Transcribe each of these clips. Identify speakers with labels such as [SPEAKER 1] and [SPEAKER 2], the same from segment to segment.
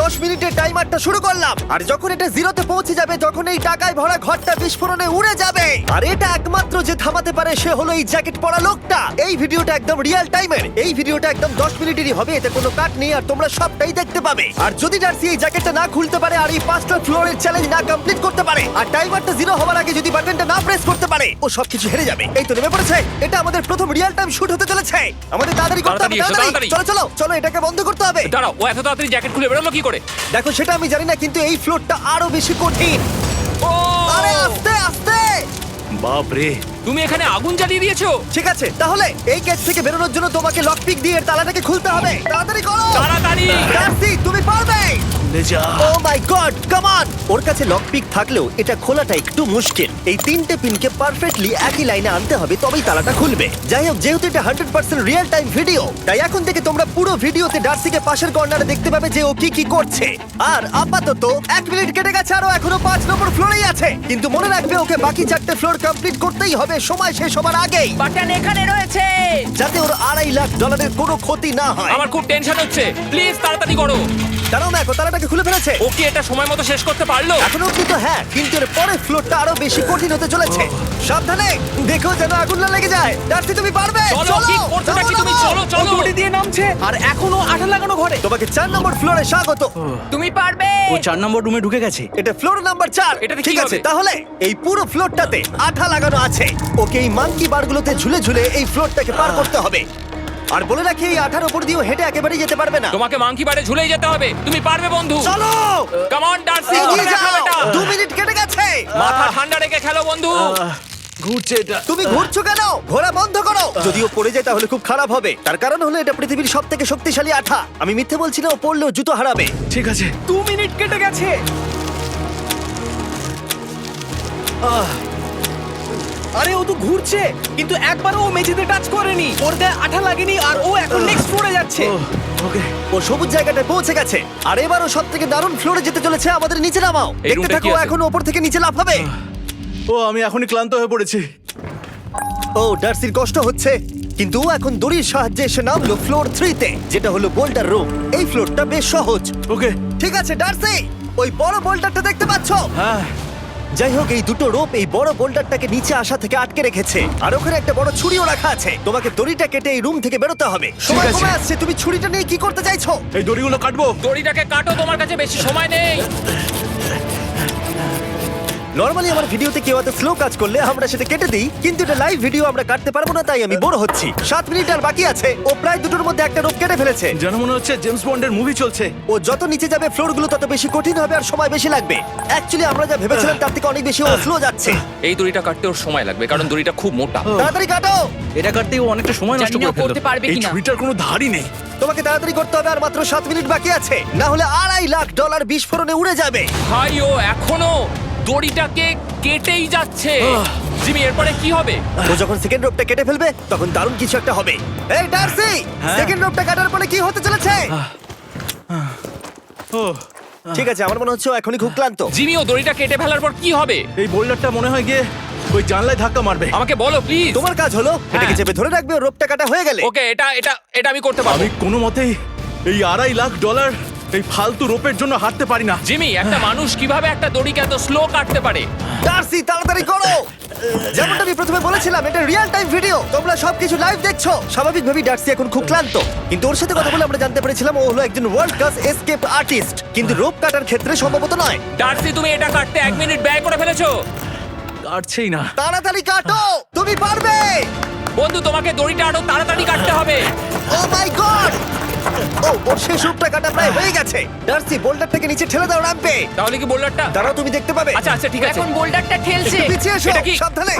[SPEAKER 1] 10 মিনিটের টাইমারটা শুরু করলাম, আর যখন এটা জিরোতে পৌঁছে যাবে তখন এই টাকায় ভরা ঘরটা বিস্ফোরণে উড়ে যাবে। আর এটা একমাত্র যে থামাতে পারে সে হলো এই জ্যাকেট পরা লোকটা। এই ভিডিওটা একদম রিয়েল টাইমের, এই ভিডিওটা একদম 10 মিনিটেরই হবে, এতে কোনো কাট নেই আর তোমরা সবটাই দেখতে পাবে। আর যদি ডার্সি এই জ্যাকেটটা না খুলতে পারে আর এই 5টা ফ্লোরের চ্যালেঞ্জ না কমপ্লিট করতে পারে আর টাইমারটা জিরো হওয়ার আগে যদি বাটনটা না প্রেস করতে পারে, ও সবকিছু হেরে যাবে। এই তো নেমে পড়েছে, এটা আমাদের প্রথম রিয়েল টাইম শুট হতে চলেছে। আমাদের তাড়াতাড়ি করতে হবে, তাড়াতাড়ি চলো চলো চলো, এটাকে বন্ধ করতে হবে।
[SPEAKER 2] দাঁড়াও, ও এত তাড়াতাড়ি জ্যাকেট খুলে বেরোলো কি করে?
[SPEAKER 1] দেখো সেটা আমি জানি না, কিন্তু এই ফ্লোরটা আরো বেশি কঠিন।
[SPEAKER 2] ও
[SPEAKER 1] আরে আস্তে আস্তে।
[SPEAKER 3] বাপ রে,
[SPEAKER 2] তুমি এখানে আগুন জ্বালিয়ে দিয়েছো।
[SPEAKER 1] ঠিক আছে, তাহলে এই কেস থেকে বেরোনোর জন্য তোমাকে লকপিক দিয়ে এর তালাটাকে খুলতে হবে। তাড়াতাড়ি করো,
[SPEAKER 2] তাড়াতাড়ি।
[SPEAKER 1] ডার্সি তুমি পারবে।
[SPEAKER 3] খুলে যা।
[SPEAKER 1] ও মাই গড, কাম অন। ওর কাছে লকপিক থাকলেও এটা খোলাটা একটু মুশকিল। এই 3টে পিনকে পারফেক্টলি একই লাইনে আনতে হবে, তবেই তালাটা খুলবে। যাই হোক, যেহেতু এটা 100% রিয়েল টাইম ভিডিও, তাই এখন থেকে তোমরা পুরো ভিডিওতে ডার্সিকে পাশের কর্নারে দেখতে পাবে যে ও কি কি করছে। আর আপাতত 1 মিনিট কেটে গেছে, আরো এখনো 5 নম্বর ফ্লোরেই আছে। কিন্তু মনে রাখবে ওকে বাকি 4টে ফ্লোর কমপ্লিট করতেই হবে সময় শেষ হবার আগেই,
[SPEAKER 4] বাটন এখানে রয়েছে।
[SPEAKER 1] যাতে ওর $2.5 লাখ কোনো ক্ষতি না হয়।
[SPEAKER 2] আমার খুব টেনশন হচ্ছে, প্লিজ তাড়াতাড়ি করো।
[SPEAKER 1] কারণ দেখো তালাটাকে খুলে ফেলেছে।
[SPEAKER 2] ও কি এটা সময় মতো শেষ করতে পারলো?
[SPEAKER 1] এখনো অব্দি তো হ্যাঁ, কিন্তু এর পরের ফ্লোরটা আরো বেশি কঠিন হতে চলেছে। সাবধানে, দেখো যেন আগুন না লেগে যায়। ডার্সি তুমি পারবে।
[SPEAKER 2] চলো, কি করছো নাকি তুমি? চলো চলো।
[SPEAKER 5] দড়ি দিয়ে নামছে আর এখনো আঠা লাগানো ঘরে।
[SPEAKER 1] তোমাকে 4 নম্বর ফ্লোরে স্বাগত।
[SPEAKER 4] তুমি পারবে।
[SPEAKER 5] ও 4 নম্বর রুমে ঢুকে গেছে।
[SPEAKER 1] এটা ফ্লোর নাম্বার 4।
[SPEAKER 2] এটাতে কি
[SPEAKER 1] ঠিক আছে,
[SPEAKER 2] হবে?
[SPEAKER 1] তাহলে এই পুরো ফ্লোরটাতে আঠা লাগানো আছে। ওকে এই মাঙ্কি বারগুলোতে ঝুলে ঝুলে এই ফ্লোরটাকে পার করতে হবে। আর বলে রাখি, এই আঠার উপর দিয়েও হেঁটে একেবারেই যেতে পারবে না।
[SPEAKER 2] তোমাকে মাংকি বারে ঝুলেই যেতে হবে। তুমি পারবে বন্ধু।
[SPEAKER 1] চলো
[SPEAKER 2] কাম অন ডার্সি,
[SPEAKER 1] এগিয়ে
[SPEAKER 2] করে দেখাও
[SPEAKER 1] যাও।
[SPEAKER 2] এটা।
[SPEAKER 1] 2 মিনিট কেটে গেছে।
[SPEAKER 2] মাথা ঠান্ডা রেখে খেলো বন্ধু।
[SPEAKER 3] ঘুরছে এটা।
[SPEAKER 1] তুমি ঘুরছো কেন? ঘোরা বন্ধ করো। যদিও পড়ে যায় তাহলে খুব খারাপ হবে। তার কারণ হলো এটা পৃথিবীর সবথেকে শক্তিশালী আঠা। আমি মিথ্যে বলছি না, ও পড়লেও জুতো হারাবে।
[SPEAKER 3] ঠিক আছে।
[SPEAKER 5] 2 মিনিট কেটে গেছে। আরে ও তো ঘুরছে, কিন্তু একবারও ও মেঝেতে টাচ করেনি। ওর গায়ে আঠা লাগেনি আর ও এখন নেক্সট ফ্লোরে যাচ্ছে।
[SPEAKER 3] ওকে।
[SPEAKER 1] ও সবুজ জায়গাটায় পৌঁছে গেছে। আর এবারও সবথেকে দারুণ ফ্লোরে যেতে চলেছে। আমাদের নিচে নামাও।
[SPEAKER 2] এই
[SPEAKER 1] দেখতে
[SPEAKER 2] রুমটা
[SPEAKER 1] থাকো,
[SPEAKER 2] কি আছে?
[SPEAKER 1] এখন ওপর থেকে নিচে লাফাবে।
[SPEAKER 3] ও আমি এখনই ক্লান্ত হয়ে পড়েছি।
[SPEAKER 1] ও ডার্সির কষ্ট হচ্ছে, কিন্তু ও এখন দড়ির সাহায্যে এসে নামলো ফ্লোর 3-তে, যেটা হলো বোল্টার রুম। এই ফ্লোরটা বেশ সহজ।
[SPEAKER 3] ওকে।
[SPEAKER 1] ঠিক আছে ডার্সি, ওই বড় বোল্টারটা দেখতে পাচ্ছো?
[SPEAKER 3] হ্যাঁ।
[SPEAKER 1] যাই হোক, এই দুটো রোপ এই বড় বোল্ডারটাকে নিচে আসা থেকে আটকে রেখেছে। আর ওখানে একটা বড় ছুরিও রাখা আছে। তোমাকে দড়িটা কেটে এই রুম থেকে বেরোতে হবে। সময়
[SPEAKER 3] আছে।
[SPEAKER 1] কমে আসছে, তুমি ছুরিটা নিয়ে কি করতে চাইছো?
[SPEAKER 3] এই দড়িগুলো কাটবো।
[SPEAKER 2] দড়িটাকে কাটো, তোমার কাছে বেশি সময় নেই।
[SPEAKER 1] নরমালি আমার ভিডিওতে কেউ এত স্লো কাজ করলে আমরা সেটা কেটে দিই, কিন্তু এটা লাইভ ভিডিও আমরা কাটতে পারবো না, তাই আমি বোর হচ্ছি। 7 মিনিট আর বাকি আছে। ও প্রায় দুটোর মধ্যে একটা রোপ কেটে ফেলেছে।
[SPEAKER 3] যেন মনে হচ্ছে জেমস বন্ডের মুভি চলছে।
[SPEAKER 1] ও যত নিচে যাবে ফ্লোরগুলো তত বেশি কঠিন হবে আর সময় বেশি লাগবে। অ্যাকচুয়ালি আমরা যা ভেবেছিলাম তার থেকে অনেক বেশি ও স্লো যাচ্ছে।
[SPEAKER 2] এই দড়িটা কাটতে ওর সময় লাগবে, কারণ দড়িটা খুব মোটা।
[SPEAKER 1] তাড়াতাড়ি কাটো।
[SPEAKER 5] এটা কাটতে ও অনেকটা সময় নষ্ট
[SPEAKER 4] জানি না
[SPEAKER 5] করে ফেললো।
[SPEAKER 4] করতে পারবে
[SPEAKER 3] এই
[SPEAKER 4] কিনা।
[SPEAKER 3] ছুরিটার কোনো ধারই নেই।
[SPEAKER 1] তোমাকে তাড়াতাড়ি করতে হবে, আর মাত্র 7 মিনিট বাকি আছে, না হলে $2.5 লাখ বিস্ফোরণে উড়ে যাবে।
[SPEAKER 2] ভাই ও এখনো দড়িটাকে কেটেই যাচ্ছে। জিমি, এরপরে কি হবে?
[SPEAKER 1] ও যখন সেকেন্ড রোপটা কেটে ফেলবে তখন দারুণ কিছু একটা হবে। এই ডার্সি, সেকেন্ড রোপটা কাটার পরে কি হতে চলেছে?
[SPEAKER 3] ও
[SPEAKER 1] ঠিক আছে, আমার মনে হচ্ছে ও এখনই খুব ক্লান্ত।
[SPEAKER 2] জিমি, ও দড়িটা কেটে ফেলার পর কি হবে?
[SPEAKER 3] এই বোল্ডারটা মনে হয় গিয়ে ওই জানলায় ধাক্কা মারবে।
[SPEAKER 2] আমাকে বলো প্লিজ।
[SPEAKER 1] তোমার কাজ হলো এটাকে চেপে ধরে রাখবে, ও রোপটা কাটা হয়ে গেলে।
[SPEAKER 2] ওকে, এটা এটা এটা আমি করতে পারবো।
[SPEAKER 3] আমি কোনো মতেই এই $2.5 লাখ এই ফালতু রোপের জন্য হাঁটতে পারি না।
[SPEAKER 2] জিমি, একটা মানুষ কিভাবে একটা দড়িকে এত স্লো কাটতে পারে?
[SPEAKER 1] ডার্সি তাড়াতাড়ি করো। যেমনটা আমি প্রথমে বলেছিলাম, এটা রিয়েল টাইম ভিডিও, তোমরা সবকিছু লাইভ দেখছো। স্বাভাবিকভাবেই ডার্সি এখন খুব ক্লান্ত, কিন্তু ওর সাথে কথা বলে আমরা জানতে পেরেছিলাম ও হলো একজন ওয়ার্ল্ড ক্লাস এসকেপ আর্টিস্ট, কিন্তু রোপ কাটার ক্ষেত্রে সম্ভবত নয়।
[SPEAKER 2] ডার্সি, তুমি এটা কাটতে 1 মিনিট ব্যয় করে ফেলেছো।
[SPEAKER 3] কাটছেই না।
[SPEAKER 1] তাড়াতাড়ি কাটো, তুমি পারবে।
[SPEAKER 2] বন্ধু, তোমাকে দড়িটা আরো তাড়াতাড়ি কাটতে হবে।
[SPEAKER 1] ও মাই গড! ও ওর শেষ রূপটা কাটা প্রায় হয়ে গেছে। ডার্সি, বোল্ডারটাকে নিচে ঠেলে দাও রাম্পে।
[SPEAKER 2] তাহলে কি বোল্ডারটা?
[SPEAKER 1] দাঁড়াও, তুমি দেখতে পাবে।
[SPEAKER 2] আচ্ছা আচ্ছা, ঠিক আছে।
[SPEAKER 4] এখন বোল্ডারটা ঠেলছে।
[SPEAKER 1] একটু পিছিয়ে এসো,
[SPEAKER 2] এটা কি?
[SPEAKER 1] সাবধানে।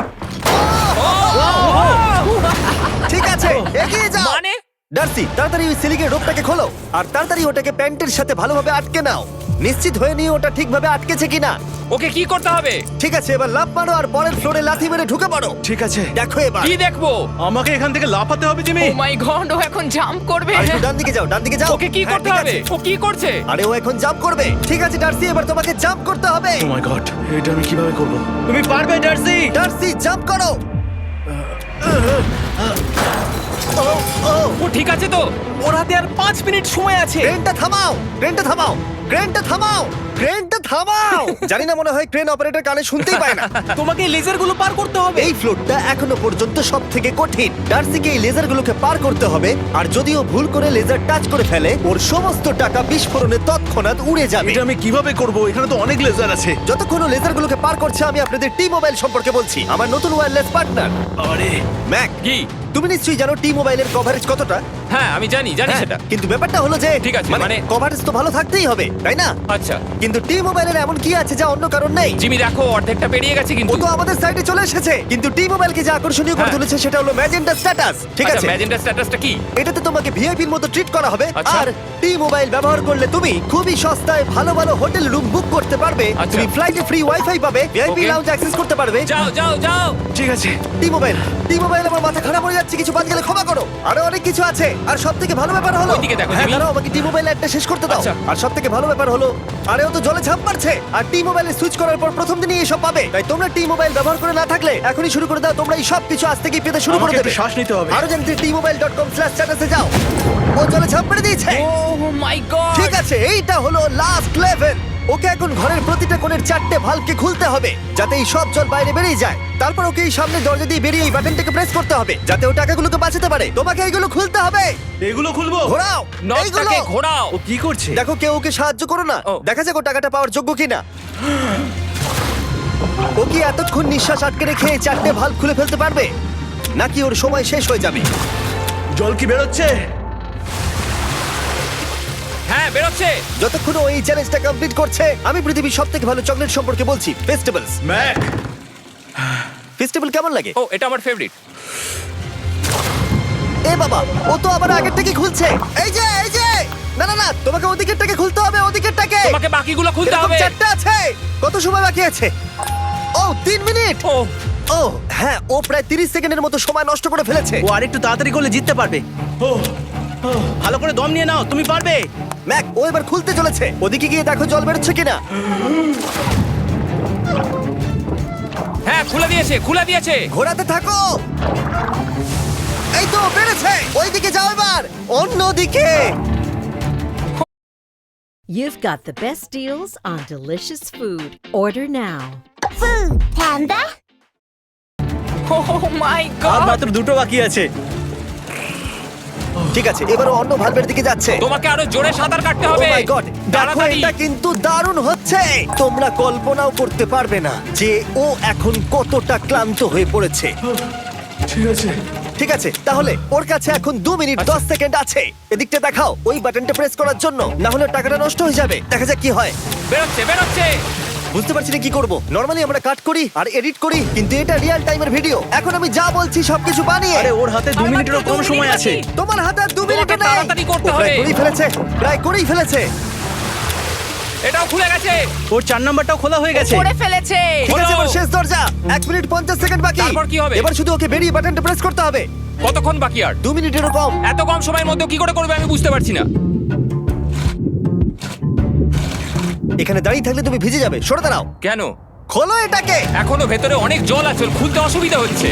[SPEAKER 1] ঠিক আছে, এগিয়ে যাও।
[SPEAKER 2] মানে?
[SPEAKER 1] ডার্সি, তাড়াতাড়ি ওই সিলিকের রোপটাকে খোলো আর তাড়াতাড়ি ওটাকে প্যান্টের সাথে ভালোভাবে আটকে নাও। নিশ্চিত হয়ে নিয়ে ওটা ঠিকভাবে আটকেছে কিনা।
[SPEAKER 2] ওকে কি করতে হবে?
[SPEAKER 1] ঠিক আছে, এবার লাফ মারো আর পরের ফ্লোরে লাথি মেরে ঢুকে পড়ো।
[SPEAKER 3] ঠিক আছে।
[SPEAKER 1] দেখো এবার।
[SPEAKER 2] কি দেখবো?
[SPEAKER 3] আমাকে এখান থেকে লাফাতে হবে জিমি।
[SPEAKER 4] ও মাই গড, ও এখন জাম্প করবে।
[SPEAKER 1] আর একটু ডান দিকে যাও, ডান দিকে যাও।
[SPEAKER 2] ওকে কি
[SPEAKER 1] হ্যাঁ,
[SPEAKER 2] করতে
[SPEAKER 1] ঠিক
[SPEAKER 2] হবে?
[SPEAKER 1] আছে।
[SPEAKER 2] ও কি করছে?
[SPEAKER 1] আরে ও এখন জাম্প করবে। ঠিক আছে ডার্সি, এবার তোমাকে জাম্প করতে হবে।
[SPEAKER 3] ও মাই গড, এটা আমি কিভাবে করব?
[SPEAKER 5] তুমি পারবে ডার্সি।
[SPEAKER 1] ডার্সি, জাম্প করো। ও ও
[SPEAKER 2] ও ঠিক আছে তো?
[SPEAKER 5] ওর হাতে আর 5 মিনিট সময় আছে।
[SPEAKER 1] ক্রেনটা থামাও, ক্রেনটা থামাও, ক্রেনটা থামাও, ক্রেনটা থামাও। জানি না, মনে হয় ক্রেন অপারেটর কানে শুনতেই পায় না।
[SPEAKER 5] তোমাকে লেজারগুলো পার করতে হবে।
[SPEAKER 1] এই ফ্লোরটা এখনো পর্যন্ত সব থেকে কঠিন। ডার্সিকে এই লেজারগুলোকে পার করতে হবে, আর যদিও ভুল করে লেজার টাচ করে ফেলে, ওর সমস্ত টাকা বিস্ফোরণে তৎক্ষণাৎ উড়ে যাবে।
[SPEAKER 3] এটা আমি কিভাবে করব? এখানে তো অনেক লেজার আছে।
[SPEAKER 1] যতক্ষণ ও লেজারগুলোকে পার করছে, আমি আপনাদের টি মোবাইল সম্পর্কে বলছি, আমার নতুন ওয়্যারলেস পার্টনার
[SPEAKER 3] আরে
[SPEAKER 1] ম্যাক।
[SPEAKER 2] কি?
[SPEAKER 1] তুমি নিশ্চয়ই জানো টি মোবাইলের কভারেজ কতটা?
[SPEAKER 2] হ্যাঁ আমি জানি
[SPEAKER 1] হ্যাঁ,
[SPEAKER 2] সেটা।
[SPEAKER 1] কিন্তু ব্যাপারটা হলো যে
[SPEAKER 2] ঠিক আছে, মানে-
[SPEAKER 1] কভারেজ তো ভালো থাকতেই হবে, তাই না?
[SPEAKER 2] আচ্ছা
[SPEAKER 1] কিন্তু টি মোবাইলের এমন কি আছে যা অন্য কারণ নেই?
[SPEAKER 2] জিমি দেখো অর্ধেকটা পেরিয়ে গেছে
[SPEAKER 1] ও
[SPEAKER 2] কিন্তু।
[SPEAKER 1] তো আমাদের সাইডে চলে এসেছে, কিন্তু টি মোবাইলকে যে আকর্ষণীয় করে
[SPEAKER 2] হ্যাঁ।
[SPEAKER 1] তুলেছে সেটা হলো ম্যাজেন্টা স্ট্যাটাস। ঠিক আছে,
[SPEAKER 2] ম্যাজেন্টা স্ট্যাটাসটা কি?
[SPEAKER 1] এটাতে তোমাকে ভিআইপির মতো ট্রিট করা হবে।
[SPEAKER 2] আচ্ছা।
[SPEAKER 1] আর টি মোবাইল ব্যবহার করলে তুমি খুবই সস্তায় ভালো ভালো হোটেল রুম বুক করতে পারবে।
[SPEAKER 2] আচ্ছা।
[SPEAKER 1] তুমি ফ্লাইটে ফ্রি ওয়াইফাই পাবে, ভিআইপি
[SPEAKER 2] Okay.
[SPEAKER 1] লাউঞ্জ অ্যাক্সেস করতে পারবে।
[SPEAKER 2] যাও যাও যাও।
[SPEAKER 3] ঠিক আছে।
[SPEAKER 1] টি মোবাইল, টি মোবাইল, আমার মাথা খারাপ হয়ে যাচ্ছে, কিছু বাদ গেলে ক্ষমা করো। আরো অনেক কিছু আছে, আর সব থেকে ভালো ব্যাপার হলো,
[SPEAKER 2] ওইদিকে দেখো,
[SPEAKER 1] হ্যাঁ
[SPEAKER 2] জিমি।
[SPEAKER 1] দাঁড়াও, আমাকে টি মোবাইল একটা শেষ করতে দাও।
[SPEAKER 2] আচ্ছা।
[SPEAKER 1] আর সব থেকে ভালো ব্যাপার হলো, আরে ও তো জলে ঝাঁপ মারছে, আর টি মোবাইলে সুইচ করার পর প্রথম দিনই এসব পাবে। তাই তোমরা টি মোবাইল ব্যবহার করে না থাকলে এখনই শুরু করে দাও। তোমরা এই সব কিছু আজ থেকেই পেতে শুরু করে
[SPEAKER 3] আমাকে
[SPEAKER 1] দেবে।
[SPEAKER 3] একটু শ্বাস নিতে হবে।
[SPEAKER 1] আরো জানতে tmobile.com/status এ যাও। ও জলে ঝাঁপ মেরে দিয়েছে।
[SPEAKER 2] Oh my god.
[SPEAKER 1] ঠিক আছে, এইটা হলো লাস্ট লেভেল। ওকে এখন ঘরের প্রতিটা কোণের 4টে ভালভকে খুলতে হবে, যাতে এই সব জল বাইরে বেরিয়ে যায়। তারপর ওকে এই সামনে দরজা দিয়ে বেরিয়ে এই বাটনটাকে প্রেস করতে হবে, যাতে ও টাকাগুলোকে বাঁচাতে পারে। তোমাকে এইগুলো খুলতে হবে।
[SPEAKER 3] এগুলো খুলবো?
[SPEAKER 1] ঘোরাও এইগুলো।
[SPEAKER 2] নটটাকে ঘোরাও।
[SPEAKER 3] ও কি করছে?
[SPEAKER 1] দেখো কেউ ওকে সাহায্য করো না,
[SPEAKER 2] ও।
[SPEAKER 1] দেখা যাক ও টাকাটা পাওয়ার যোগ্য কিনা। ও কি এতক্ষণ নিঃশ্বাস আটকে রেখে এই 4টে ভালভ খুলে ফেলতে পারবে, নাকি ওর সময় শেষ হয়ে যাবে?
[SPEAKER 3] জল কি বেরোচ্ছে?
[SPEAKER 2] হ্যাঁ বেরোচ্ছে।
[SPEAKER 1] যতক্ষণ ও এই চ্যালেঞ্জটা কমপ্লিট করছে, আমি পৃথিবীর সবথেকে ভালো চকলেট সম্পর্কে বলছি, ফেস্টিভ্যালস।
[SPEAKER 3] ম্যাক,
[SPEAKER 1] ফেস্টিভ্যাল কেমন লাগে?
[SPEAKER 2] ও এটা আমার ফেভারিট।
[SPEAKER 1] এ বাবা, ও তো আবার আগের থেকে খুলছে। এই যে এই যে, না না না, তোমাকে ওদিকেরটাকে খুলতে হবে, ওদিকেরটাকে।
[SPEAKER 2] তোমাকে বাকিগুলো খুলতে
[SPEAKER 1] এরকম
[SPEAKER 2] হবে।
[SPEAKER 1] 4টা আছে। কত সময় বাকি আছে? ও 3 মিনিট।
[SPEAKER 2] ও
[SPEAKER 1] ও হ্যাঁ, ও প্রায় 30 সেকেন্ডের মতো সময় নষ্ট করে ফেলেছে।
[SPEAKER 5] ও আরেকটু তাড়াতাড়ি করলে জিততে পারবে।
[SPEAKER 3] ও
[SPEAKER 5] ভালো করে দম নিয়ে নাও, তুমি পারবে।
[SPEAKER 1] ম্যাক, ও এবার খুলতে চলেছে। ওদিকে গিয়ে দেখো জল বেরোচ্ছে কিনা।
[SPEAKER 2] হ্যাঁ খুলে দিয়েছে, খুলে দিয়েছে।
[SPEAKER 1] ঘোরাতে থাকো। এই তো বেড়েছে। ওইদিকে যাও এবার, অন্যদিকে।
[SPEAKER 6] You've got the best deals on delicious food. Order now.
[SPEAKER 7] Food Panda.
[SPEAKER 4] Oh my
[SPEAKER 5] আর
[SPEAKER 4] গড।
[SPEAKER 5] মাত্র 2টো বাকি আছে।
[SPEAKER 1] ঠিক আছে, এবার ও অন্য ভালভের দিকে যাচ্ছে।
[SPEAKER 2] তোমাকে আরো জোরে সাঁতার কাটতে
[SPEAKER 1] ও
[SPEAKER 2] হবে।
[SPEAKER 1] মাই গড, দেখো
[SPEAKER 2] তাড়াতাড়ি।
[SPEAKER 1] এটা কিন্তু দারুণ হচ্ছে। তোমরা কল্পনাও করতে পারবে না যে ও এখন কতটা ক্লান্ত হয়ে পড়েছে।
[SPEAKER 3] ঠিক আছে।
[SPEAKER 1] ঠিক আছে, তাহলে ওর কাছে এখন 2 মিনিট 10 সেকেন্ড আছে। এদিকটা দেখাও ওই বাটনটা প্রেস করার জন্য, না হলে টাকাটা নষ্ট হয়ে যাবে। দেখা যাক কি হয়।
[SPEAKER 2] বেরোচ্ছে বেরোচ্ছে।
[SPEAKER 1] বুঝতে পারছি না কি করব। নরমালি আমরা কাট করি আর এডিট করি, কিন্তু এটা রিয়েল টাইমের ভিডিও। এখন আমি যা বলছি সবকিছু বানিয়ে।
[SPEAKER 5] আরে ওর হাতে 2
[SPEAKER 2] আর
[SPEAKER 5] মিনিটেরও
[SPEAKER 2] মাত্র
[SPEAKER 5] কম
[SPEAKER 2] 2
[SPEAKER 5] সময়
[SPEAKER 2] মিনিট
[SPEAKER 5] আছে।
[SPEAKER 2] বাকি।
[SPEAKER 1] তোমার হাতে আর 2 মিনিট
[SPEAKER 2] তোমাকে
[SPEAKER 1] নেই।
[SPEAKER 2] তাড়াতাড়ি করতে
[SPEAKER 1] ও প্রায়
[SPEAKER 2] হবে।
[SPEAKER 1] করেই ফেলেছে, প্রায় করেই ফেলেছে।
[SPEAKER 2] এটাও খুলে গেছে।
[SPEAKER 5] ওর 4 নাম্বারটাও খোলা হয়ে গেছে।
[SPEAKER 4] করে ফেলেছে।
[SPEAKER 1] ঠিক আছে,
[SPEAKER 2] হলো।
[SPEAKER 1] এবার শেষ দরজা। 1 মিনিট 50 সেকেন্ড বাকি।
[SPEAKER 2] তারপর কি হবে?
[SPEAKER 1] এবার শুধু ওকে বেরিয়ে বাটনটা প্রেস করতে হবে।
[SPEAKER 2] কতক্ষণ বাকি আর?
[SPEAKER 1] 2 মিনিটেরও কম।
[SPEAKER 2] এত কম সময়ের মধ্যে কি করে করবে আমি বুঝতে পারছি না।
[SPEAKER 1] এখানে দাঁড়িয়ে থাকলে তুমি ভিজে যাবে, সরে দাঁড়াও।
[SPEAKER 2] কেন?
[SPEAKER 1] খোলো এটাকে।
[SPEAKER 2] এখনো ভেতরে অনেক জল আছে, ওর খুলতে অসুবিধা হচ্ছে।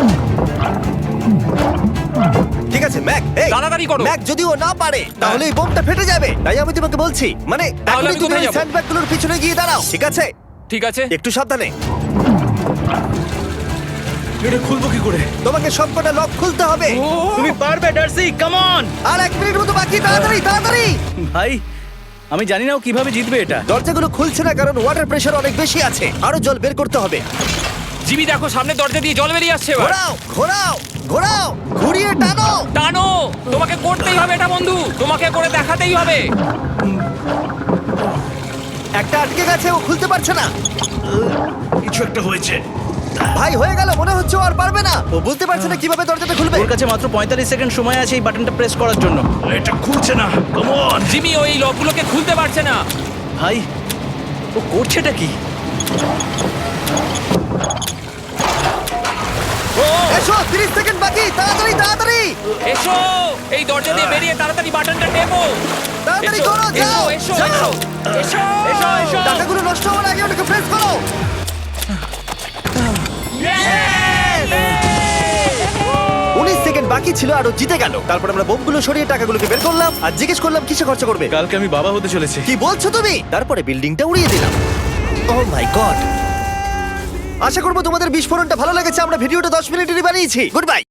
[SPEAKER 1] ঠিক আছে ম্যাক, এই
[SPEAKER 2] তাড়াতাড়ি করো।
[SPEAKER 1] ম্যাক, যদি ও না পারে তাহলে এই বোমটা ফেটে যাবে। তাই আমি তোমাকে বলছি, মানে
[SPEAKER 2] তাহলে
[SPEAKER 1] এখনই
[SPEAKER 2] আমি
[SPEAKER 1] তুমি
[SPEAKER 2] কোথায়
[SPEAKER 1] ওই
[SPEAKER 2] যাবো?
[SPEAKER 1] স্যান্ডব্যাগগুলোর পিছনে গিয়ে দাঁড়াও, ঠিক আছে?
[SPEAKER 2] ঠিক আছে।
[SPEAKER 1] একটু সাবধানে।
[SPEAKER 3] এটা খুলবো কি করে?
[SPEAKER 1] তোমাকে সবকটা লক খুলতে হবে।
[SPEAKER 5] তুমি পারবে ডার্সি, কাম অন।
[SPEAKER 1] আর 1 মিনিট মতো বাকি, তাড়াতাড়ি তাড়াতাড়ি।
[SPEAKER 5] ভাই আমি জানি না ও কিভাবে জিতবে এটা।
[SPEAKER 1] দরজাগুলো খুলছে না কারণ ওয়াটার প্রেশার অনেক বেশি আছে। আরো জল বের করতে হবে।
[SPEAKER 2] জিমি দেখো সামনে দরজা দিয়ে জল বেরিয়ে আসছে এবার।
[SPEAKER 1] ঘোরাও ঘোরাও ঘোরাও, ঘুরিয়ে টানো।
[SPEAKER 2] টানো। তোমাকে করতেই হবে এটা বন্ধু, তোমাকে করে দেখাতেই হবে।
[SPEAKER 1] একটা আটকে গেছে, ও খুলতে পারছে না।
[SPEAKER 3] কিছু একটা হয়েছে।
[SPEAKER 1] ভাই হয়ে গেল, মনে হচ্ছে ও আর পারবে না। ও বুঝতে পারছে না কিভাবে দরজাটা খুলবে।
[SPEAKER 5] ওর কাছে মাত্র 45 সেকেন্ড সময় আছে এই বাটনটা প্রেস করার জন্য।
[SPEAKER 3] এটা খুলছে না। Come on.
[SPEAKER 2] জিমি ওই লকগুলোকে খুলতে পারছে না।
[SPEAKER 5] ভাই ও করছেটা কি?
[SPEAKER 2] ও
[SPEAKER 1] এসো, 30 সেকেন্ড বাকি, তাড়াতাড়ি তাড়াতাড়ি
[SPEAKER 2] এসো, এই দরজা দিয়ে বেরিয়ে তাড়াতাড়ি বাটনটা টেপো।
[SPEAKER 1] তাড়াতাড়ি
[SPEAKER 2] এসো,
[SPEAKER 1] করো, যাও
[SPEAKER 2] এসো,
[SPEAKER 1] যাও।
[SPEAKER 2] এসো, এসো, এসো, এসো।
[SPEAKER 1] টাকাগুলো নষ্ট হওয়ার আগে ওটাকে প্রেস করো। 19 সেকেন্ড বাকি ছিল আর ও জিতে গেল। তারপর আমরা বোমগুলো সরিয়ে টাকাগুলোকে বের করলাম আর জিজ্ঞেস করলাম কিসে খরচা করবে।
[SPEAKER 3] কালকে আমি বাবা হতে চলেছি।
[SPEAKER 1] কি বলছো তুমি? তারপরে বিল্ডিংটা উড়িয়ে দিলাম। ও মাই গড। আশা করবো তোমাদের বিস্ফোরণটা ভালো লেগেছে। আমরা ভিডিওটা 10 মিনিটেরই বানিয়েছি। Good bye.